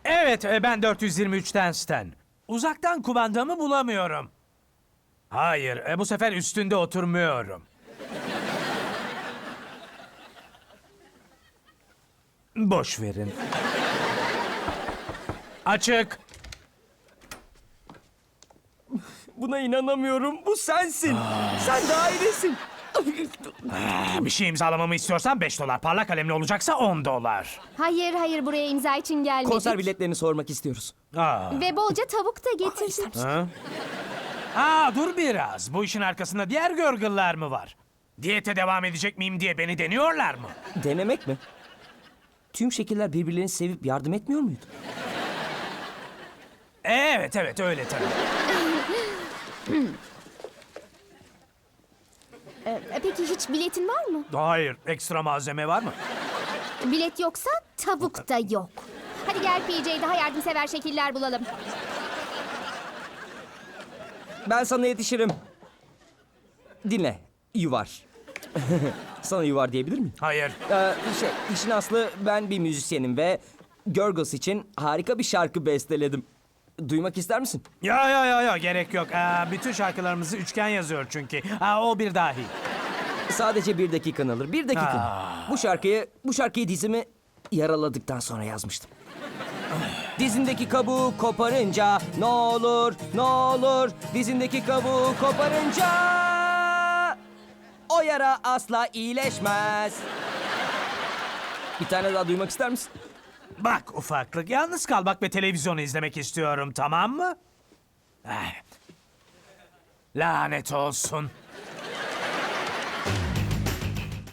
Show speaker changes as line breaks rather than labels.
Evet, ben 423'ten Stan. Uzaktan kumandamı bulamıyorum. Hayır, bu sefer üstünde oturmuyorum. Boş verin. Açık.
Buna inanamıyorum. Bu sensin. Sen daha iyisin.
Bir şey imzalamamı istiyorsan $5. Parlak kalemli olacaksa $10.
Hayır hayır, buraya imza için gelmedik.
Konser biletlerini sormak istiyoruz.
Ve bolca tavuk da getirdik.
Dur biraz. Bu işin arkasında diğer gırgırlar mı var? Diyete devam edecek miyim diye beni deniyorlar mı?
Denemek mi? Tüm şekiller birbirlerini sevip yardım etmiyor muydu?
Evet öyle tabii.
Peki hiç biletin var mı?
Hayır, ekstra malzeme var mı?
Bilet yoksa tavuk da yok. Hadi gel PJ, daha yardımsever şekiller bulalım.
Ben sana yetişirim. Dinle. Yuvar. Sana yuvar diyebilir miyim?
Hayır.
İşin aslı ben bir müzisyenim ve Gurgles için harika bir şarkı besteledim. Duymak ister misin?
Ya gerek yok. Bütün şarkılarımızı üçgen yazıyor çünkü. O bir dahi.
Sadece 1 dakikan alır. 1 dakika. Bu şarkıyı dizimi yaraladıktan sonra yazmıştım. Dizindeki kabuğu koparınca ne olur dizindeki kabuğu koparınca o yara asla iyileşmez. Bir tane daha duymak ister misin?
Bak ufaklık, yalnız kalmak ve televizyonu izlemek istiyorum, tamam mı? Lanet olsun.